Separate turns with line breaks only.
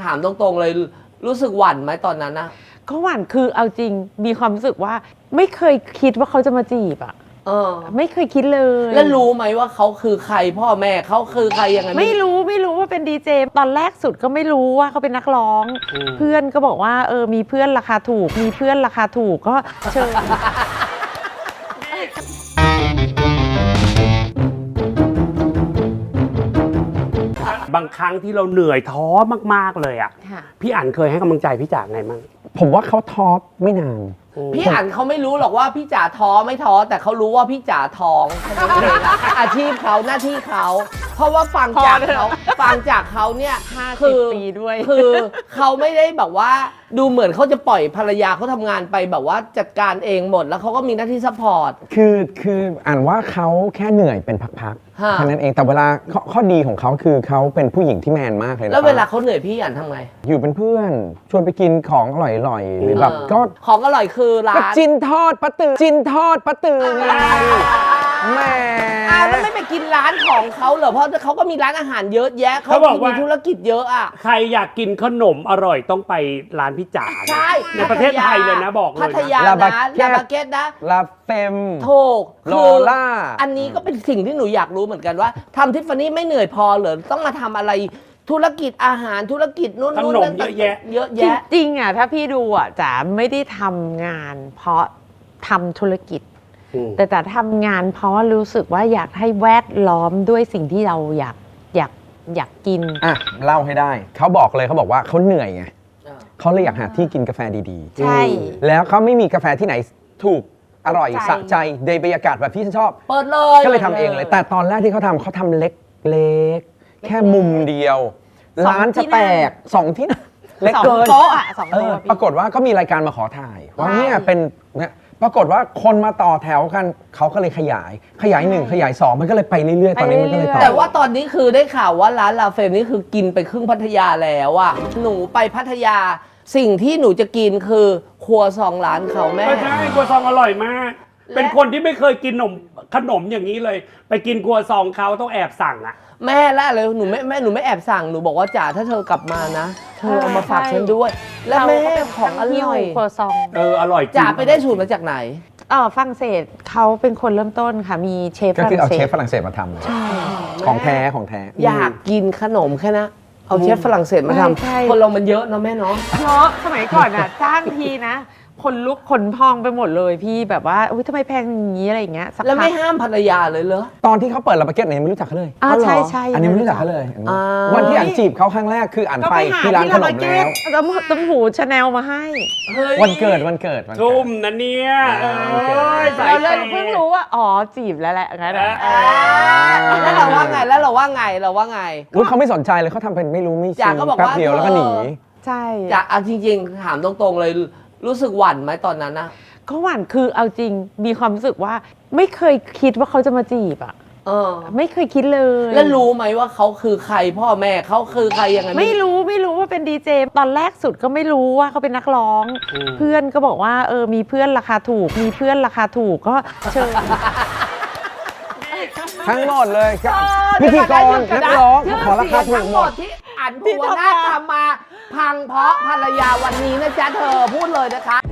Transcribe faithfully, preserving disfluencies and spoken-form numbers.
ถามตรงๆเลยรู้สึกหวั่นไหมตอนนั้นนะ
ก็หวั่นคือเอาจริงมีความรู้สึกว่าไม่เคยคิดว่าเขาจะมาจีบอ่ะ
เออ
ไม่เคยคิดเลย
แล้วรู้ไหมว่าเขาคือใครพ่อแม่เขาคือใครยังไง
ไม่รู้ไม่รู้ว่าเป็นดีเจตอนแรกสุดก็ไม่รู้ว่าเขาเป็นนักร้องเพื่อนก็บอกว่าเออมีเพื่อนราคาถูกมีเพื่อนราคาถูกก็เชิญ
บางครั้งที่เราเหนื่อยท้อมากๆเลยอ่ะพี่อั๋นเคยให้กำลังใจพี่จ๋าไงมั่ง
ผมว่าเขาท้อไม่นาน
พี่อั๋นเขาไม่รู้หรอกว่าพี่จ๋าท้อไม่ท้อแต่เขารู้ว่าพี่จ๋าท้องอาชีพเขาหน้าที่เขาเพราะว่าฟังจากเขาฟังจากเขาเนี่ย
คือปีด้วย
คือเขาไม่ได้แบบว่าดูเหมือนเขาจะปล่อยภรรยาเขาทำงานไปแบบว่าจัดการเองหมดแล้วเขาก็มีหน้าที่ซัพพอร์ต
คือคืออ่านว่าเขาแค่เหนื่อยเป็นพักๆแค่นั้นเองแต่เวลาข้อข้อดีของเขาคือเขาเป็นผู้หญิงที่แมนมากเลยนะ
แล้วเวลาเขาเหนื่อยพี่อั๋นทำไง
อยู่เป็นเพื่อนชวนไปกินของอร่อยๆหรือแบบก็
ของอร่อยคือร้าน
จินทอดปะตือจินทอดปะตือไงแม่
อ้าวแล้วไม่ไปกินร้านของเขาเหรอเพราะเขาก็มีร้านอาหารเยอะแยะเขามีธุรกิจเยอะอ่ะ
ใครอยากกินขนมอร่อยต้องไปร้านพี่จ๋า
ใช่
ในประเทศไทยเลยนะบอกเลย
พัทยานะลาบาเกตนะ
ลาเฟม
ถูก
โลล่า
อันนี้ก็เป็นสิ่งที่หนูอยากรู้เหมือนกันว่าทำทิฟฟานี่ไม่เหนื่อยพอเหรอต้องมาทำอะไรธุรกิจอาหารธุรกิจนู่น
นู่นเยอะแยะ
เยอะแยะ
จริงๆอ่ะถ้าพี่ดูอ่ะจ๋าไม่ได้ทำงานเพราะทำธุรกิจแต่จ๋าทำงานเพราะว่ารู้สึกว่าอยากให้แวดล้อมด้วยสิ่งที่เราอยากอยากอยากกิน
อ่ะเล่าให้ได้เขาบอกเลยเขาบอกว่าเขาเหนื่อยไงเขาเลยอยากหาที่กินกาแฟดี
ๆใช่
แล้วเขาไม่มีกาแฟที่ไหนถูกอร่อยสะใจในบรรยากาศแบบที่ฉันชอบ
เปิดเลย
ก็เลยทำเองเลยแต่ตอนแรกที่เขาทำเขาทำเล็กเล็กแค่มุมเดียวร้านจะแตกสองที่นั่งเล็กเกิน
โต๊ะอ่ะสองโต๊ะ
ปรากฏว่าก็มีรายการมาขอถ่ายว่าเนี่ยเป็นเนี่ยปรากฏว่าคนมาต่อแถวกันเขาก็เลยขยายขยายหนึ่งขยายสองมันก็เลยไปเรื่อยๆตอนนี้มันก็เลยต่อ
แต่ว่าตอนนี้คือได้ข่าวว่าร้านลาเฟมนี่คือกินไปครึ่งพัทยาแล้วอะหนูไปพัทยาสิ่งที่หนูจะกินคือครัวซองร้านเขาแม่
ใช่ครัวซองอร่อยมากเป็นคนที่ไม่เคยกินขนมขนมอย่างนี้เลยไปกินครัวซองเขาต้องแอบสั่งอะ
แม่ละเลยหนูไม่แม่หนูไม่แอบสั่งหนูบอกว่าจ๋าถ้าเธอกลับมานะเธอเอามาฝากฉันด้วยแล้วแม่ของอร่อย
ครัวซอง
เอออร่อย
จ๋าไปได้สูตรมาจากไหน
เออฝรั่งเศสเขาเป็นคนเริ่มต้นค่ะมีเชฟฝรั่งเศส
ก็คือเอาเชฟฝรั่งเศสมาทำใช่ของแท้ของแท้
อยากกินขนมแค่นะเอาเชฟฝรั่งเศสมาทำคนเรามันเยอะเนาะแม่เนาะ
เนาะสมัยก่อนอ่ะจ้างทีนะคนลุกขนพองไปหมดเลยพี่แบบว่าอุ้ยทำไมแพงอย่างนี้อะไรอย่างเงี้ย
แล้วไม่ห้ามภรรยาเลยเหรอ
ตอนที่เขาเปิดลาบาเก็ตเนี่ยไม่รู้จักเขาเลย
อ๋อใช่ใช่
อันนี้ไม่รู้จักเขาเลยวันที่อ่านจีบเขาครั้งแรกคืออ่านไปที่ร้านขนมแล้ว
ต้มต้มหูชาแนลมาให้
วันเกิดวันเกิด
ทุ่มนะเนี่ย
เราเลยเพิ่งรู้ว่าอ๋อจีบแล้วแหละงั้น
แล้วเราว่าไงแล้วเราว่าไงเราว่าไง
เขาไม่สนใจเลยเขาทำเป็นไม่รู้ไม่ชี้แป๊บเดียวแล้วก็หนี
ใช่
จะเอาจริงๆถามตรงๆเลยรู้สึกหวั่นไหมตอนนั้นนะ
ก็หวั่นคือเอาจริงมีความรู้สึกว่าไม่เคยคิดว่าเขาจะมาจีบอ่ะ
เออ
ไม่เคยคิดเลย
แล้วรู้ไหมว่าเขาคือใครพ่อแม่เขาคือใครยังไง
ไม่รู้ไม่รู้ว่าเป็นดีเจตอนแรกสุดก็ไม่รู้ว่าเขาเป็นนักร้องเพื่อนก็บอกว่าเออมีเพื่อนราคาถูกมีเพื่อนราคาถูกก็เชิญ
ทั้งหมดเลยพิธีกรนักร้องขอราคาถูกหมด
ที่อันภูวนาถทำมาพังเพราะภรรยาวันนี้นะจ๊ะเธอพูดเลยนะคะ